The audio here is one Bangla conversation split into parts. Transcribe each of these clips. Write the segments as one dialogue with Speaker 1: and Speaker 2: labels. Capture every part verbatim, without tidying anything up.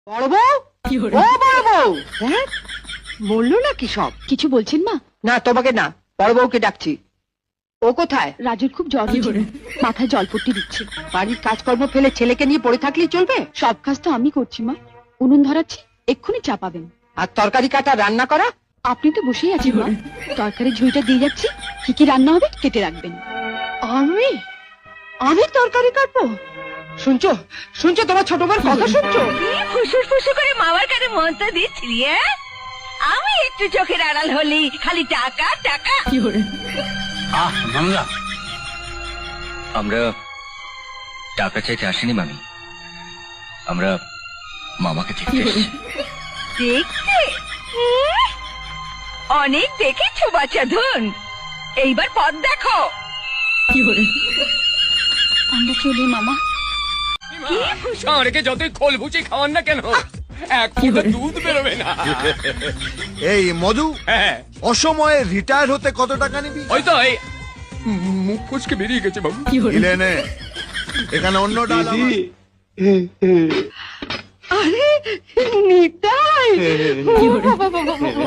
Speaker 1: বড় বউ, ও বড় বউ, হ্যাঁ বললো নাকি সব?
Speaker 2: কিছু বলছেন মা?
Speaker 1: না তোমাকে না, বড় বউকে ডাকছি। ও কোথায়?
Speaker 2: রাজুর খুব জ্বর হয়েছে, মাথায় জলপট্টি দিচ্ছে।
Speaker 1: বাড়ির কাজকর্ম ফেলে ছেলেকে নিয়ে পড়ে থাকলেই চলবে?
Speaker 2: সব কাজ তো আমি করছি মা। উনুন ধরাচ্ছি, এক্ষুনি চা পাবেন।
Speaker 1: আর তরকারি কাটা রান্না করা?
Speaker 2: আপনি তো বসেই আছেন মা, তরকারি ঝুঁইটা দিয়ে যাচ্ছি, কি কি রান্না হবে কেটে রাখবেন।
Speaker 1: আমি আমি তরকারি কাটবো? শুনছো শুনছো তোমার ছোট বোন কথা শুনছো?
Speaker 3: ফুসুর ফুসুর করে মামার কাছে মন্ত্র দিচ্ছিলি, হ্যাঁ? আমি একটু চোখের আড়াল হলি খালি টাকা টাকা।
Speaker 4: আহ মামলা, আমরা টাকা চাইতে আসিনি মামি, আমরা মামাকে দেখতে এসেছি।
Speaker 3: দেখতে উম, অনেক দেখেছো বাচ্চা ধন, এইবার পথ দেখো।
Speaker 2: আমরা চলি মামা।
Speaker 5: ষাঁড়কে যতই খোল ভুচি খাওয়ান না কেন, এক ফোঁটা দুধ বেরোবে না।
Speaker 6: এই মধু,
Speaker 5: হ্যাঁ
Speaker 6: অসময়ে রিটায়ার হতে কত টাকা নিবি?
Speaker 5: ওই তো এই মুখ ফুসকে বেরিয়ে গেছে বাবু।
Speaker 6: দিলে নে, এখানে অন্য ডাল আমার।
Speaker 1: আরে নিতাই, ও বাবা বাবা বাবা।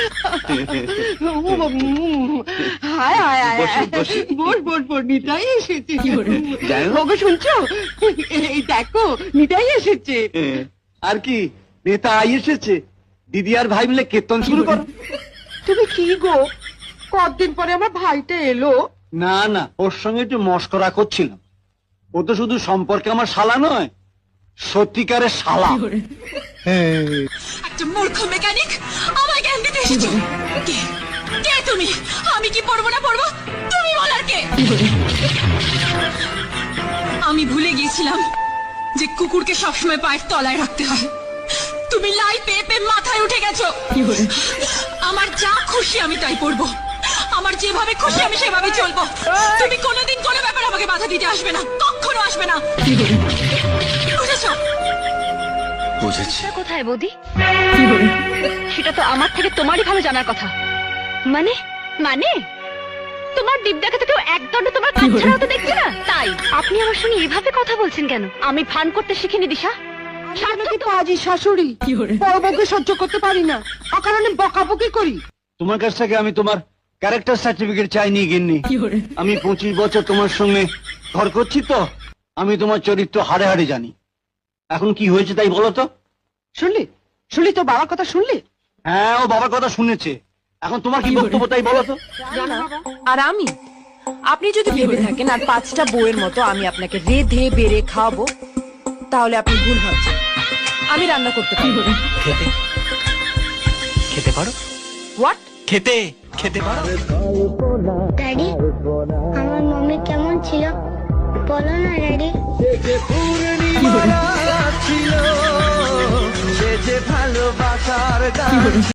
Speaker 1: ও বাবা, উম, হায় হায় হায় হায়। বল বল বল, নিতাই এসেছে। ওগো শুনছো, এই দেখো নিতাই এসেছে।
Speaker 7: আর কি নেতা আই এসেছে, দিদি আর ভাই মিলে কীর্তন শুরু করো।
Speaker 1: তুমি কি গো, কতদিন পরে আমার ভাইটা এলো?
Speaker 7: না না, ওর সঙ্গে একটু মস্করা করছিলাম। ও তো শুধু সম্পর্কে আমার শালা নয়, সত্যিকারের শালা।
Speaker 8: একটা মূর্খ মেকানিক আমায় জ্ঞান দিতে এসেছো। কে কে তুমি? আমি কি পড়বো না পড়বো তুমি বলার কে? আমি ভুলে গিয়েছিলাম যে কুকুরকে সবসময় পায়ের তলায় রাখতে হয়। তুমি লাই পেয়ে পেয়ে মাথায় উঠে গেছো। আমার যা খুশি আমি তাই পড়বো, আমার যেভাবে খুশি আমি সেভাবে চলবো। তুমি কোনোদিন কোনো ব্যাপার আমাকে বাধা দিতে আসবে না, কখনো আসবে না। বুঝেছো?
Speaker 4: বুঝেছি।
Speaker 2: কোথায় বৌদি? সেটা তো আমার থেকে তোমারই ভালো জানার কথা। মানে মানে তোমার দিব্যাকে তো কেউ একদণ্ড তোমার কাজ ছাড়াও তো দেখছে না, তাই আপনি আমার সঙ্গে এভাবে কথা বলছেন কেন? আমি ভান করতে শিখিনি দিশা।
Speaker 1: নাকি পাজি শাশুড়ি, বড় বউকে সহ্য করতে পারি না, অকারণে বকাবকি করি।
Speaker 7: তোমার কাছ থেকে আমি তোমার ক্যারেক্টার সার্টিফিকেট চাইনি গিন্নি। আমি পঁচিশ বছর তোমার সঙ্গে ঘর করছি তো, আমি তোমার চরিত্র হাড়ে হাড়ে জানি। এখন কি হয়েছে তাই বলো তো?
Speaker 1: শুনলি শুনলি তো বাবার কথা শুনলি?
Speaker 7: হ্যাঁ, ও বাবার কথা শুনেছে। এখন তোমার কি বক্তব্য তাই বলো তো?
Speaker 9: আর আমি, আপনি যদি ভেবে থাকেন আর পাঁচটা বউয়ের মতো আমি আপনাকে রেধে বেড়ে খাওয়াবো, তাহলে আপনি ভুল ভাবছেন। আমি রান্না করতে পারি।
Speaker 4: খেতে খেতে পারো?
Speaker 9: হোয়াট?
Speaker 4: খেতে খেতে পারো?
Speaker 10: ড্যাডি, আমার মম্মি কেমন ছিল বলো না ড্যাডি।
Speaker 7: ছিল সে যে ভালোবাসার গান।